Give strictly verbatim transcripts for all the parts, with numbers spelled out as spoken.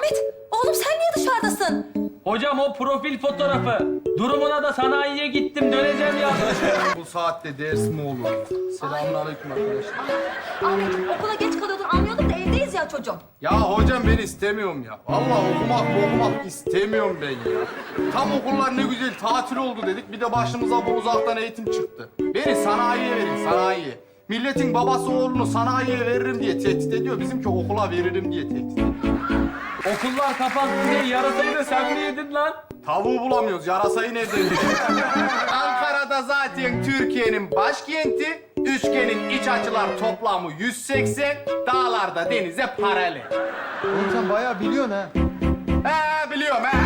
Ahmet, oğlum sen niye dışarıdasın? Hocam o profil fotoğrafı. Durumuna da sanayiye gittim, döneceğim ya. Bu saatte ders mi olur? Selamünaleyküm arkadaşlar. Ahmet, okula geç kalıyordun anlıyordum da evdeyiz ya çocuğum. Ya hocam ben istemiyorum ya. Vallahi okumak okumak istemiyorum ben ya. Tam okullar ne güzel tatil oldu dedik. Bir de başımıza bu uzaktan eğitim çıktı. Beni sanayiye verin, sanayiye. Milletin babası oğlunu sanayiye veririm diye tehdit ediyor. Bizimki okula veririm diye tehdit ediyor. Okullar kapandı diye yarasayı da sen mi yedin lan? Tavuğu bulamıyoruz. Yarasayı nereden yedik? Ankara'da zaten Türkiye'nin başkenti. Üçgenin iç açılar toplamı yüz seksen. Dağlarda denize paralel. Oğlum sen bayağı biliyorsun ha. He biliyorum he.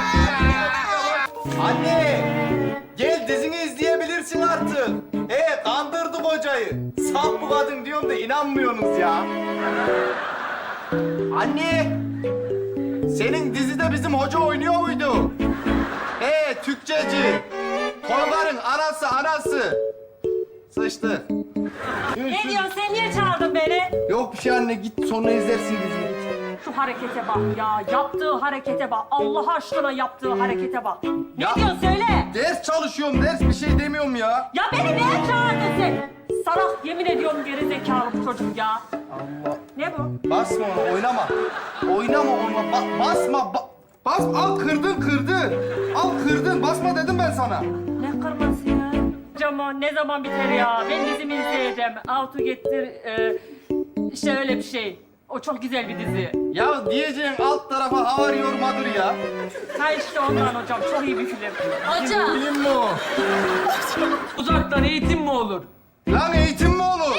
Anne, gel dizini izleyebilirsin artık. He, kandırdık hocayı. Saf bu kadın diyorum da inanmıyorsunuz ya. Anne, senin dizide bizim hoca oynuyor muydu? He, Türkçeci. Tolga'nın anası anası. Sıçtı. Ne diyorsun sen niye çağırdın beni? Yok bir şey anne, git sonra izlersin diziyi. Şu harekete bak ya, yaptığı harekete bak. Allah aşkına yaptığı harekete bak. Ne Ya- diyorsun söyle. Ders çalışıyorum, ders bir şey demiyorum ya. Ya beni niye çağırdın sen? Salak yemin ediyorum geri zekalı bu çocuk ya. Allah. Ne bu? Basma onu, oynama. Oynama onu, ba- basma. Ba- bas, al kırdın, kırdın. Al kırdın, basma dedim ben sana. Ne kırması ya? Camo ne zaman biter ya? Ben dizimi izleyeceğim. How to Get'tir, e, işte öyle bir şey. O çok güzel bir dizi. Ya diyeceğin alt tarafa havar yormadır ya. Ha işte ondan hocam, çok iyi bir film. Hocam. Film mi o? Uzaktan eğitim mi olur? Lan eğitim mi olur?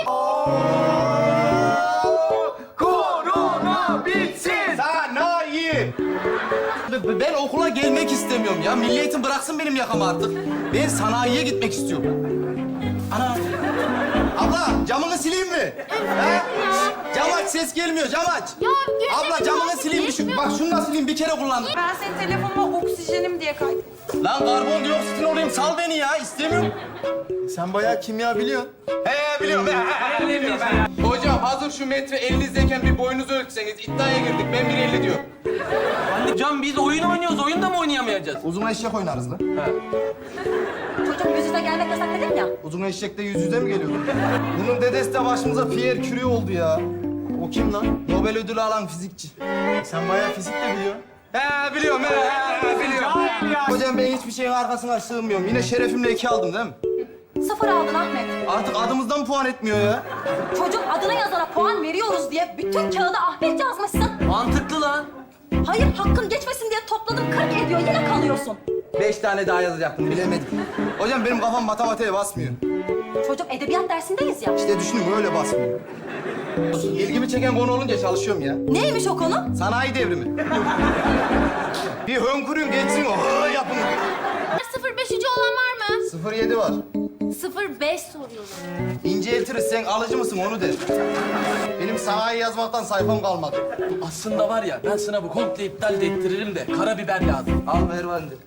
Korona bitsin. Sanayi. Ben okula gelmek istemiyorum ya. Milli Eğitim bıraksın benim yakamı artık. Ben sanayiye gitmek istiyorum. Ana. Abla camını sileyim mi? He? Cam aç, ses gelmiyor. Cam aç. Abla camını sileyim mi? Şu, bak şunu da sileyim. Bir kere kullandım. Ben senin telefonuma oksijenim diye kaydım. Lan karbondioksit olayım. Sal beni ya. İstemiyorum. Sen bayağı kimya biliyorsun. He biliyorum. He, biliyorum. he. Hocam hazır şu metre elinizdeyken bir boyunuzu ölçseniz iddiaya girdik. Ben bir elli diyorum. Anne can biz oyun oynuyoruz, oyunda mı oynayamayacağız? Uzun eşek oynarız lan. Çocuğum yüz yüze gelmek yasak dedim ya. Uzun eşekte yüz yüze mi geliyor? Bunun dedesi de başımıza Pierre Curie oldu ya. O kim lan? Nobel ödülü alan fizikçi. Sen bayağı fizik de biliyorsun. He biliyorum he, he biliyorum. Hocam ben hiçbir şeyin arkasına sığmıyorum. Yine şerefimle iki aldım değil mi? Sıfır aldın Ahmet. Artık adımızdan puan etmiyor ya. Çocuk adına yazana puan veriyoruz diye bütün kağıda Ahmet yazmışsın. Mantıklı lan. Hayır, hakkın geçmesin diye topladım kırk ediyor. Yine kalıyorsun. Beş tane daha yazacaktım bilemedim. Hocam benim kafam matematiğe basmıyor. Çocuk edebiyat dersindeyiz ya. İşte düşünün öyle basmıyor. İlgimi çeken konu olunca çalışıyorum ya. Neymiş o konu? Sanayi devrimi. Bir hönkürün geçsin o. Hı, yapın. sıfır beşinci olan var mı? sıfır yedi var. sıfır beş soruyorum. İnceltiriz. Sen alıcı mısın onu de. Benim sanayi yazmaktan sayfam kalmadı. Aslında var ya ben sınavı komple iptal de ettiririm de karabiber lazım. Al ver bana de.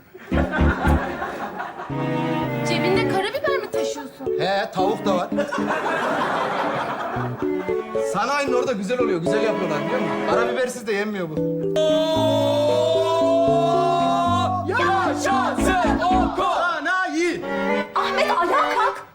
Cebinde karabiber mi taşıyorsun? He tavuk da var. Sanayinin orada güzel oluyor. Güzel yapıyorlar biliyor musun? Karabibersiz de yenmiyor bu. Yaşasın okul! Sanayi. Ahmet ayağa kalk.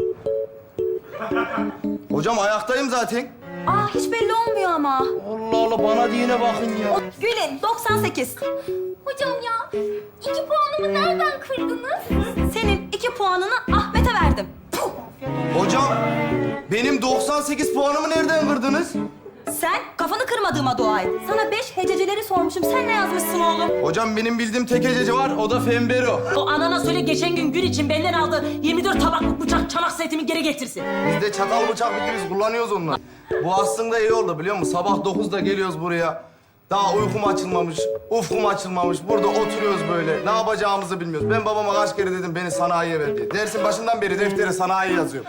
Hocam ayaktayım zaten. Aa hiç belli olmuyor ama. Allah Allah bana diyene bakın ya. Gülün doksan sekiz. Hocam ya, iki puanımı nereden kırdınız? Senin iki puanını Ahmet'e verdim. Puh! Hocam benim doksan sekiz puanımı nereden kırdınız? Sen kafanı kırmadığıma dua et. Sana beş hececeleri sormuşum. Sen ne yazmışsın oğlum? Hocam benim bildiğim tek hececi var o da Fembero. O anana söyle geçen gün gün için benden aldığı yirmi dört tabaklık bıçak çanak setimi geri getirsin. Biz de çatal bıçak bitti biz kullanıyoruz onları. Bu aslında iyi oldu biliyor musun? Sabah dokuzda geliyoruz buraya. Daha uykum açılmamış, ufkum açılmamış. Burada oturuyoruz böyle. Ne yapacağımızı bilmiyoruz. Ben babama kaç kere dedim beni sanayiye ver diye. Dersin başından beri deftere sanayi yazıyor.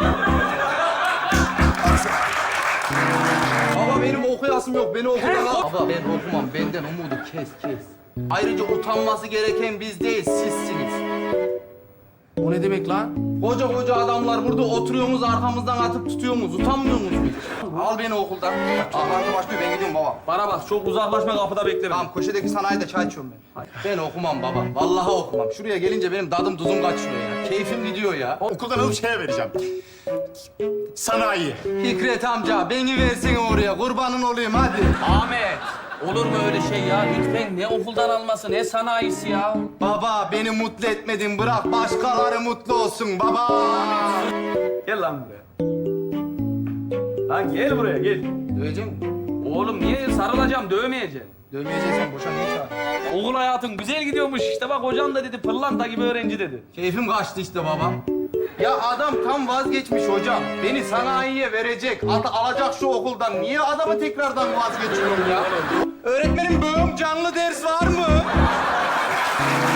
Baba benim okuyasım yok. Beni okuyana... Baba ben okumam. Benden umudu kes kes. Ayrıca utanması gereken biz değil, sizsiniz. O ne demek lan? Koca koca adamlar burada oturuyorsunuz, arkamızdan atıp tutuyorsunuz. Utanmıyor musunuz hiç? Al beni okuldan. Toplantı başlıyor, ben gidiyorum baba. Bana bak çok uzaklaşma kapıda bekle beni. Tamam, köşedeki sanayide çay içiyorum ben. Ben okumam baba, vallahi okumam. Şuraya gelince benim dadım tuzum kaçıyor ya. Keyfim gidiyor ya. Okuldan alıp şeye vereceğim. Sanayi. Fikret amca, beni versene oraya. Kurbanın olayım hadi. Ahmet. Olur mu öyle şey ya? Lütfen ne okuldan alması ne sanayisi ya. Baba, beni mutlu etmedin. Bırak başkaları mutlu olsun baba. Gel lan buraya. Lan gel buraya gel. Dövecek misin? Oğlum niye sarılacağım dövmeyeceğim. Dövmeyeceksen boşa niye çağırdın? Okul hayatın güzel gidiyormuş işte bak hocam da dedi pırlanta gibi öğrenci dedi. Keyfim kaçtı işte baba. Ya adam tam vazgeçmiş hocam. Beni sanayiye verecek, at alacak şu okuldan. Niye adamı tekrardan vazgeçiyorum ya? Öğretmenim böğüm canlı ders var mı?